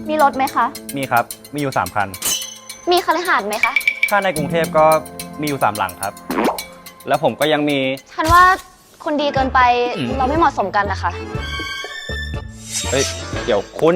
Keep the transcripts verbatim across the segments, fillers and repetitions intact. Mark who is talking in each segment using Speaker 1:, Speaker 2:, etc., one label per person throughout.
Speaker 1: มีรถไหมคะ
Speaker 2: มีครับมีอยู่สามคัน
Speaker 1: มีคฤหาสน์ไหมคะ
Speaker 2: ถ้าในกรุงเทพก็มีอยู่สามหลังครับแล้วผมก็ยังมี
Speaker 1: ฉันว่าคุณดีเกินไปเราไม่เหมาะสมกันนะคะ
Speaker 2: เฮ้ยเดี๋ยวคุณ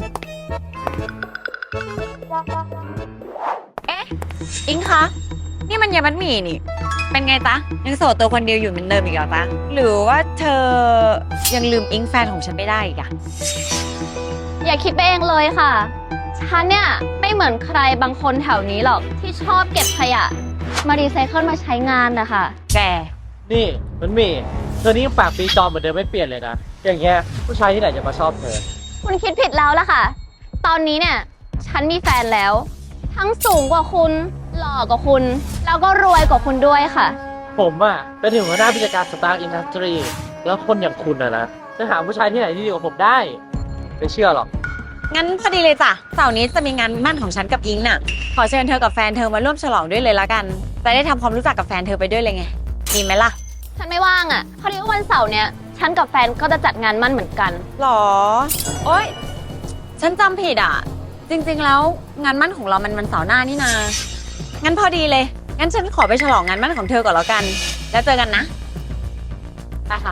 Speaker 3: เอ๊ะอิงคะนี่มันยามัดหมี่นี่เป็นไงจ๊ะยังโสดตัวคนเดียวอยู่เหมือนเดิมอีกเหรอจ๊ะหรือว่าเธอยังลืมอิงแฟนของฉันไม่ได้อีกอะ
Speaker 1: อย่าคิดไปเองเลยค่ะฉันเนี่ยไม่เหมือนใครบางคนแถวนี้หรอกที่ชอบเก็บขยะมารีไซเคิลมาใช้งานนะคะ
Speaker 3: แก
Speaker 4: นี่มันมีเธอนี่ยังปากปีจอมเหมือนเดิมไม่เปลี่ยนเลยนะอย่างเงี้ยผู้ชายที่ไหนจะมาชอบเธอ
Speaker 1: คุณคิดผิดแล้วล่ะค่ะตอนนี้เนี่ยฉันมีแฟนแล้วทั้งสูงกว่าคุณหล่อกว่าคุณแล้วก็รวยกว่าคุณด้วยค่ะ
Speaker 4: ผมอะเป็นถึงหัวหน้าผู้จัดการสตาร์ทอินดัสทรีแล้วคนอย่างคุณอะนะจะหาผู้ชายที่ไหนที่ดีกว่าผมได้ไม่เชื่อหรอก
Speaker 3: งั้นพอดีเลยจ้ะเสาร์นี้จะมีงานมั่นของฉันกับอิงน่ะขอเชิญเธอกับแฟนเธอมาร่วมฉลองด้วยเลยละกันจะได้ทำความรู้จักกับแฟนเธอไปด้วยเลยไงดีไหมล่ะ
Speaker 1: ฉันไม่ว่างอะพอดีว่าวันเสาร์เนี่ยฉันกับแฟนก็จะจัดงานมั่นเหมือนกัน
Speaker 3: หรอโอ๊ยฉันจำผิดอ่ะจริงๆแล้วงานมั่นของเรามันวันเสาร์หน้านี่นางั้นพอดีเลยงั้นฉันขอไปฉลองงานมั่นของเธอก่อนแล้วกันแล้วเจอกันนะไปค่ะ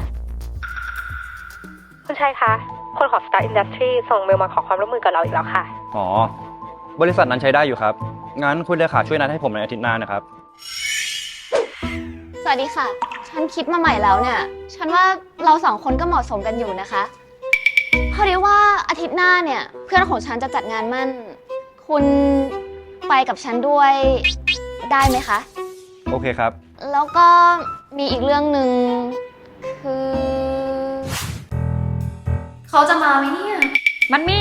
Speaker 5: คุณชัยคะคนของ Star Industry ส่งเมลมาขอความร่วมมือกับเราอีกแล้วค่ะ
Speaker 2: อ๋อบริษัทนั้นใช้ได้อยู่ครับงั้นคุณเลขาช่วยนัดให้ผมในอาทิตย์หน้านะครับ
Speaker 1: สวัสดีค่ะฉันคิดมาใหม่แล้วเนี่ยฉันว่าเราสองคนก็เหมาะสมกันอยู่นะคะพอดีว่าอาทิตย์หน้าเนี่ยเพื่อนของฉันจะจัดงานมั่นคุณไปกับฉันด้วยได้ไหมคะ
Speaker 2: โอเคครับ
Speaker 1: แล้วก็มีอีกเรื่องหนึ่งคือเขาจะมาไหมเนี่ย
Speaker 3: มันมี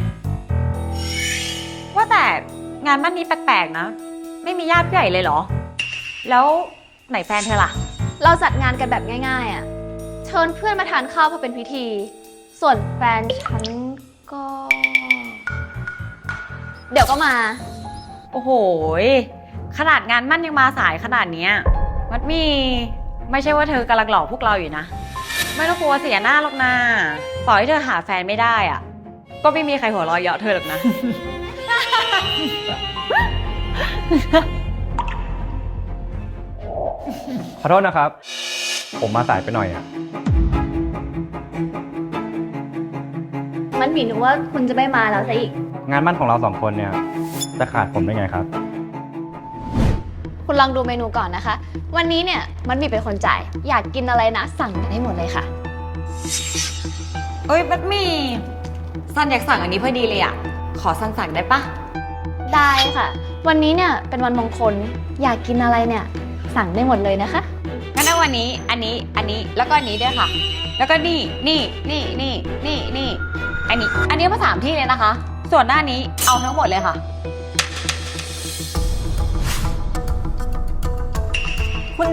Speaker 3: ว่าแต่งานมั่นนี้แปลกๆนะไม่มีญาติผู้ใหญ่เลยเหรอแล้วไหนแฟนเธอล่ะ
Speaker 1: เราจัดงานกันแบบง่ายๆอ่ะเชิญเพื่อนมาทานข้าวเพื่อเป็นพิธีส่วนแฟนฉันก็เดี๋ยวก็มา
Speaker 3: โอ้โหขนาดงานมั่นยังมาสายขนาดนี้มัดมีไม่ใช่ว่าเธอกำลังหลอกพวกเราอยู่นะไม่ต้องกลัวเสียหน้าหรอกนะต่อให้เธอหาแฟนไม่ได้อ่ะก็ไม่มีใครหัวเราะเยาะเธอหรอกนะ
Speaker 2: ขอโทษนะครับผมมาสายไปหน่อยอ่ะ
Speaker 1: มันหมีนึกว่าคุณจะไม่มาแล้วซะอีก
Speaker 2: งานมั่นของเราสองคนเนี่ยจะขาดผมได้ไงครับ
Speaker 1: คุณลองดูเมนูก่อนนะคะวันนี้เนี่ยมันมีเป็นคนจ่ายอยากกินอะไรนะสั่งกันให้หมดเลยค่ะ
Speaker 3: เอ้ยบัดมี่ซันอยากสั่งอันนี้พอดีเลยอ่ะขอซันสั่งได้ปะ
Speaker 1: ได้ค่ะวันนี้เนี่ยเป็นวันมงคลอยากกินอะไรเนี่ยสั่งได้หมดเลยนะคะ
Speaker 3: งั้นเอาวันนี้อันนี้อันนี้แล้วก็อันนี้ด้วยค่ะแล้วก็นี่นี่นี่นี่นี่นี่อันนี้อันนี้มาสามที่เลยนะคะส่วนหน้านี้เอาทั้งหมดเลยค่ะ
Speaker 6: คุณ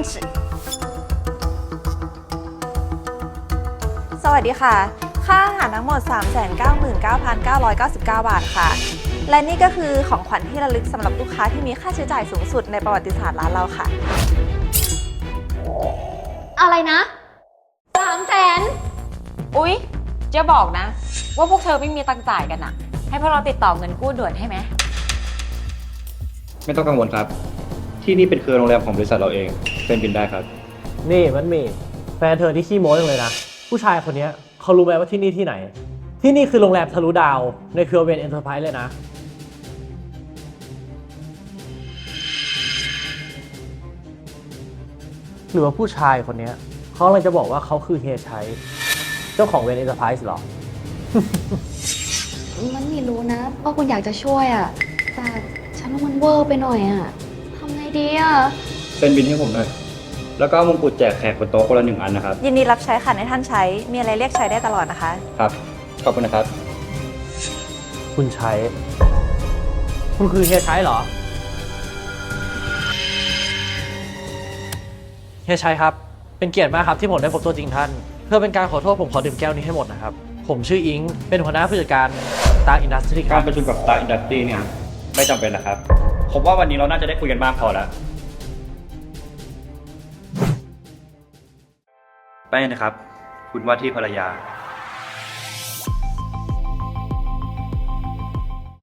Speaker 6: สวัสดีค่ะค่าอาหารทั้งหมด สามแสนเก้าหมื่นเก้าพันเก้าร้อยเก้าสิบเก้า บาทค่ะและนี่ก็คือของขวัญที่ระลึกสำหรับลูกค้าที่มีค่าใช้จ่ายสูงสุดในประวัติศาสตร์ร้านเราค่ะ
Speaker 1: อะไรนะสามแสน
Speaker 3: อุ๊ยจะบอกนะว่าพวกเธอไม่มีตังค์จ่ายกันอะให้พวกเราติดต่อเงินกู้ด่วนให้ไหม
Speaker 2: ไม่ต้องกังวลครับที่นี่เป็นเครือโรงแรมของบริษัทเราเองเป็นบินได้ครับ
Speaker 4: นี่มันมีแฟนเธอที่ขี้โม้จังเลยนะผู้ชายคนนี้เขารู้ไหมว่าที่นี่ที่ไหนที่นี่คือโรงแรมทะลุดาวในเครือเวนเอ็นเตอร์ไพรส์เลยนะหรือว่าผู้ชายคนนี้เขากำลังจะบอกว่าเขาคือเฮียชัยเจ้าของเวนเอ็นเตอร์ไพรส์หรอ
Speaker 1: มันมีรู้นะว่าคุณอยากจะช่วยอ่ะแต่ฉันว่ามันเวอร์ไปหน่อยอ่ะทำไงดีอ่ะ
Speaker 2: เป็นบินให้ผมหน่อยแล้วก็มงกุฎแจกแขกบนโต๊ะคนละหนึ่งอันนะครับ
Speaker 6: ยินดีรับใช้ค่ะในท่านใช้มีอะไรเรียกใช้ได้ตลอดนะคะ
Speaker 2: ครับขอบคุณนะครับ
Speaker 4: คุณชัยคุณคือเฮียชัยเหรอเฮียชัยครับเป็นเกียรติมากครับที่ผมได้พบตัวจริงท่านเพื่อเป็นการขอโทษผมขอดื่มแก้วนี้ให้หมดนะครับผมชื่ออิงเป็นหัวหน้าผู้จัดการ Star Industry
Speaker 2: การประชุมกับ Star Industry เนี่ยไม่จำเป็นนะครับผมว่าวันนี้เราน่าจะได้คุยกันมากพอแล้วไปนะครับคุณว่าที่ภรรยา